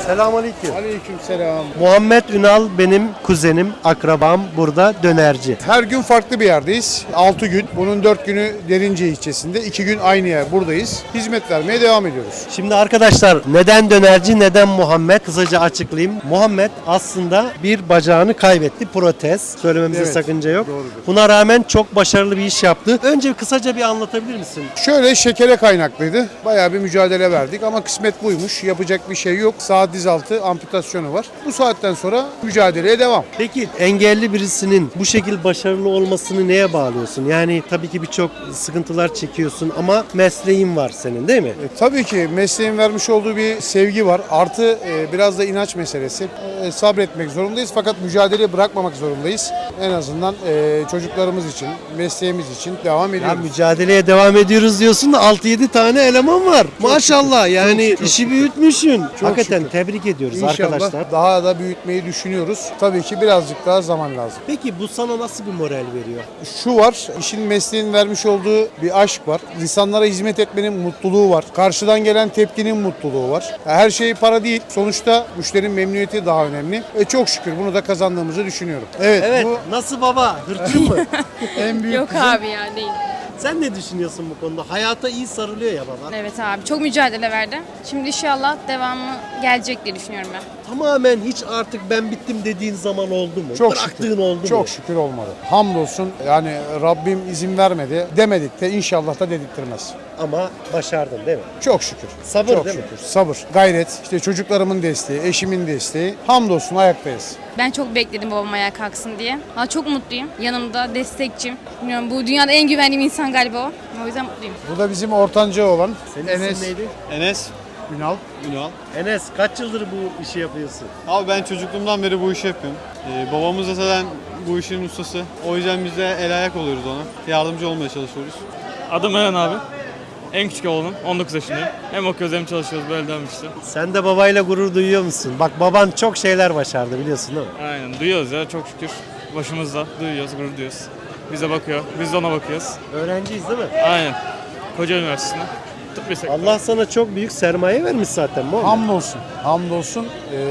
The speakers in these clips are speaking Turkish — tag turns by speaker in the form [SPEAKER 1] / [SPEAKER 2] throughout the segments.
[SPEAKER 1] Selamünaleyküm.
[SPEAKER 2] Aleykümselam.
[SPEAKER 1] Muhammed Ünal benim kuzenim, akrabam, burada dönerci.
[SPEAKER 2] Her gün farklı bir yerdeyiz. 6 gün. Bunun 4 günü Derince ilçesinde. 2 gün aynı yer buradayız. Hizmet vermeye devam ediyoruz.
[SPEAKER 1] Şimdi arkadaşlar neden dönerci, neden Muhammed? Kısaca açıklayayım. Muhammed aslında bir bacağını kaybetti, protez. Söylememizde
[SPEAKER 2] Evet,
[SPEAKER 1] sakınca yok.
[SPEAKER 2] doğrudur.
[SPEAKER 1] Buna rağmen çok başarılı bir iş yaptı. Önce kısaca bir anlatabilir misin?
[SPEAKER 2] Şöyle şekere kaynaklıydı. Bayağı bir mücadele verdik ama kısmet buymuş. Yapacak bir şey yok. Sağ dizaltı amputasyonu var. Bu saatten sonra mücadeleye devam.
[SPEAKER 1] Peki engelli birisinin bu şekilde başarılı olmasını neye bağlıyorsun? Yani tabii ki birçok sıkıntılar çekiyorsun ama mesleğin var senin değil mi?
[SPEAKER 2] Tabii ki mesleğin vermiş olduğu bir sevgi var. Artı biraz da inanç meselesi. Sabretmek zorundayız fakat mücadeleyi bırakmamak zorundayız. En azından çocuklarımız için, mesleğimiz için devam
[SPEAKER 1] Ya
[SPEAKER 2] ediyoruz.
[SPEAKER 1] mücadeleye devam ediyoruz diyorsun da 6-7 tane eleman var. Maşallah yani
[SPEAKER 2] çok
[SPEAKER 1] işi
[SPEAKER 2] şükür.
[SPEAKER 1] büyütmüşsün. Hakikaten
[SPEAKER 2] şükür.
[SPEAKER 1] tebrik ediyoruz
[SPEAKER 2] İnşallah
[SPEAKER 1] arkadaşlar.
[SPEAKER 2] daha da büyütmeyi düşünüyoruz. Tabii ki birazcık daha zaman lazım.
[SPEAKER 1] Peki bu sana nasıl bir moral veriyor?
[SPEAKER 2] Şu var, işin mesleğin vermiş olduğu bir aşk var. İnsanlara hizmet etmenin mutluluğu var. Karşıdan gelen tepkinin mutluluğu var. Her şey para değil. Sonuçta müşterinin memnuniyeti daha önemli. Çok şükür bunu da kazandığımızı düşünüyorum.
[SPEAKER 1] Evet,
[SPEAKER 2] bu
[SPEAKER 1] nasıl baba? Hırçın mı?
[SPEAKER 2] en büyük
[SPEAKER 3] Yok abi ya değil.
[SPEAKER 1] Sen ne düşünüyorsun bu konuda? Hayata iyi sarılıyor ya baba.
[SPEAKER 3] Evet abi çok mücadele verdi. Şimdi inşallah devamı gelecek diye düşünüyorum ben.
[SPEAKER 1] Tamamen hiç artık ben bittim dediğin zaman oldu mu?
[SPEAKER 2] Çok
[SPEAKER 1] Bıraktığın
[SPEAKER 2] şükür.
[SPEAKER 1] oldu mu?
[SPEAKER 2] Çok şükür olmadı. Hamdolsun yani Rabbim izin vermedi. Demedik de inşallah da dedirtmez.
[SPEAKER 1] Ama başardın değil mi?
[SPEAKER 2] Çok şükür.
[SPEAKER 1] Sabır
[SPEAKER 2] Çok
[SPEAKER 1] değil mi?
[SPEAKER 2] şükür. Sabır, gayret, işte çocuklarımın desteği, eşimin desteği. Hamdolsun ayaktayız.
[SPEAKER 3] Ben çok bekledim babam ayağa kalksın diye. Ama çok mutluyum. Yanımda destekçim. Bilmiyorum bu dünyada en güvendiğim insan galiba o. O yüzden mutluyum.
[SPEAKER 2] Bu da bizim ortanca olan
[SPEAKER 1] Senin
[SPEAKER 2] Enes
[SPEAKER 1] isim neydi?
[SPEAKER 4] Enes
[SPEAKER 2] Ünal.
[SPEAKER 4] Ünal.
[SPEAKER 1] Enes kaç yıldır bu işi yapıyorsun?
[SPEAKER 4] Abi ben çocukluğumdan beri bu işi yapıyorum. Babamız da zaten bu işin ustası. O yüzden biz de el ayak oluyoruz ona. Yardımcı olmaya çalışıyoruz.
[SPEAKER 5] Adım Eren abi. En küçük oğlum. 19 yaşındayım. Hem okuyoruz hem çalışıyoruz. Böyle devam işte.
[SPEAKER 1] Sen de babayla gurur duyuyor musun? Bak baban çok şeyler başardı biliyorsun değil mi?
[SPEAKER 5] Aynen. Duyuyoruz ya çok şükür. Başımızda. Duyuyoruz, gurur duyuyoruz. Bize bakıyor. Biz de ona bakıyoruz.
[SPEAKER 1] Öğrenciyiz değil mi?
[SPEAKER 5] Aynen. Koca Üniversitesi'nde. Tıp lisesi.
[SPEAKER 1] Allah sana çok büyük sermaye vermiş zaten Muhammed.
[SPEAKER 2] Hamdolsun. Hamdolsun.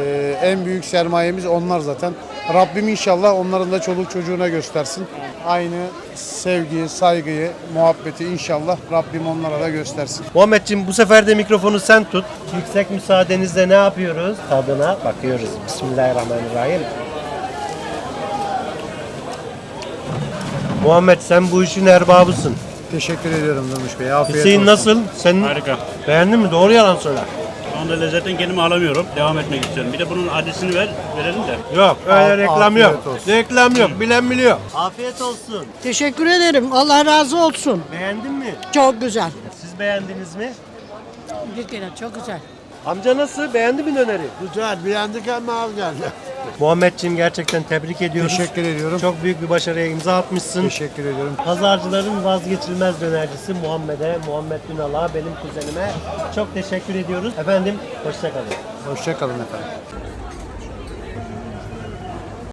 [SPEAKER 2] En büyük sermayemiz onlar zaten. Rabbim inşallah onların da çoluk çocuğuna göstersin. Aynı sevgiyi, saygıyı, muhabbeti inşallah Rabbim onlara da göstersin.
[SPEAKER 1] Muhammedciğim bu sefer de mikrofonu sen tut. Yüksek müsaadenizle ne yapıyoruz? Tadına bakıyoruz. Bismillahirrahmanirrahim. Muhammed sen bu işin erbabısın.
[SPEAKER 2] Teşekkür ediyorum Durmuş Bey. Afiyet
[SPEAKER 1] Hüseyin
[SPEAKER 2] olsun.
[SPEAKER 1] nasıl? Sen
[SPEAKER 6] Harika.
[SPEAKER 1] beğendin mi? Doğru yalan söyle.
[SPEAKER 6] Şu anda lezzetten kendimi alamıyorum. Devam etmek istiyorum. Bir de bunun adresini verelim de.
[SPEAKER 1] Yok öyle reklam yok.
[SPEAKER 2] afiyet olsun.
[SPEAKER 1] Reklam yok. Bilen biliyor. Afiyet olsun.
[SPEAKER 7] Teşekkür ederim. Allah razı olsun.
[SPEAKER 1] Beğendin mi?
[SPEAKER 7] Çok güzel.
[SPEAKER 1] Siz beğendiniz mi?
[SPEAKER 7] Bir kere çok güzel.
[SPEAKER 1] Amca nasıl? Beğendi mi döneri?
[SPEAKER 2] Güzel. Beğendik ama al geldi.
[SPEAKER 1] Muhammedciğim gerçekten tebrik ediyoruz.
[SPEAKER 2] Teşekkür ediyorum.
[SPEAKER 1] Çok büyük bir başarıya imza atmışsın.
[SPEAKER 2] Teşekkür ediyorum.
[SPEAKER 1] Pazarcıların vazgeçilmez dönercisi Muhammed Ünal'a, benim kuzenime çok teşekkür ediyoruz. Efendim, hoşça kalın.
[SPEAKER 2] Hoşça kalın efendim.